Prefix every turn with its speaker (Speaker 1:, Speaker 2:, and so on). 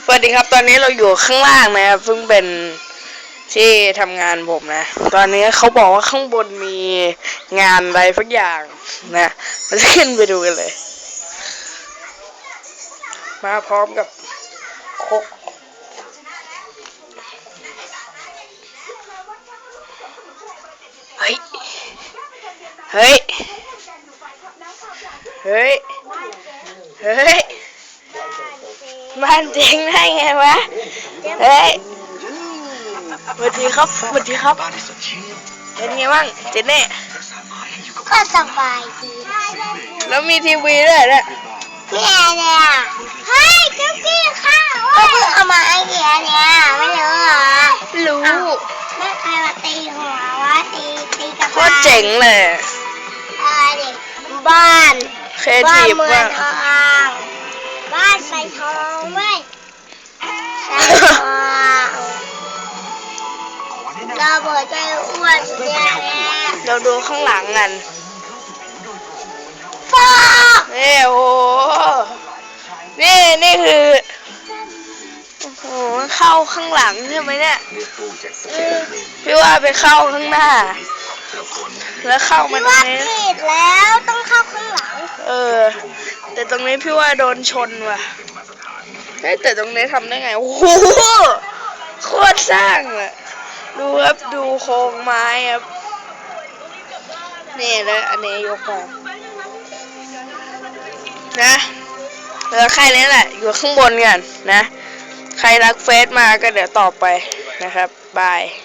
Speaker 1: สวัสดีครับตอนนี้เราอยู่ข้างล่างนะครับซึ่งเป็นที่ทำงานผมนะตอนนี้เขาบอกว่าข้างบนมีงานอะไรสักอย่างนะเราจะขึ้นไปดูกันเลยมาพร้อมกับคกเฮ้ยเฮ้ยเฮ้ยเฮ้ยบ้านเจ๊งได้ไงวะเฮ้ยสวัสดีครับสวัสดีครับเป็นไงบ้างเจเน่
Speaker 2: ก็สบายดี
Speaker 1: แล้วมีทีวีด้วยเนี่ย
Speaker 2: เนี่ยเฮ้ยเจ้ากี้ข้าวก็เพิ่งเอามาไอเดียเนี่ยไม่รู้เหรอ
Speaker 1: รู้
Speaker 2: ไม่ใครมาตีหัววะตีกับ
Speaker 1: โคตรเจ๋งเลย
Speaker 2: ดิบ้าน
Speaker 1: เคทีฟมาก
Speaker 2: บ้านใส่ทองเว้ยใส่ทองเราบอกใจอ้วนเนี่ย
Speaker 1: เราดูข้างหลังกัน
Speaker 2: ฟ้า
Speaker 1: นี่โอ้นี่คือโอ้โหเข้าข้างหลังใช่ไหมเนี่ยพี่ว่าไปเข้าข้างหน้าแล้วเข้ามาตรงนี้
Speaker 2: ผิดแล้วต้องเข้าข้างหลัง
Speaker 1: แต่ตรงนี้พี่ว่าโดนชนว่ะแต่ตรงนี้ทำได้ไงโอ้โหโคตรสร้างเลยดูครับดูโครงไม้ครับนี่แล้วอันนี้ยกมานะแล้วใครนี่แหละอยู่ข้างบนกันนะใครรักเฟซมาก็เดี๋ยวต่อไปนะครับบาย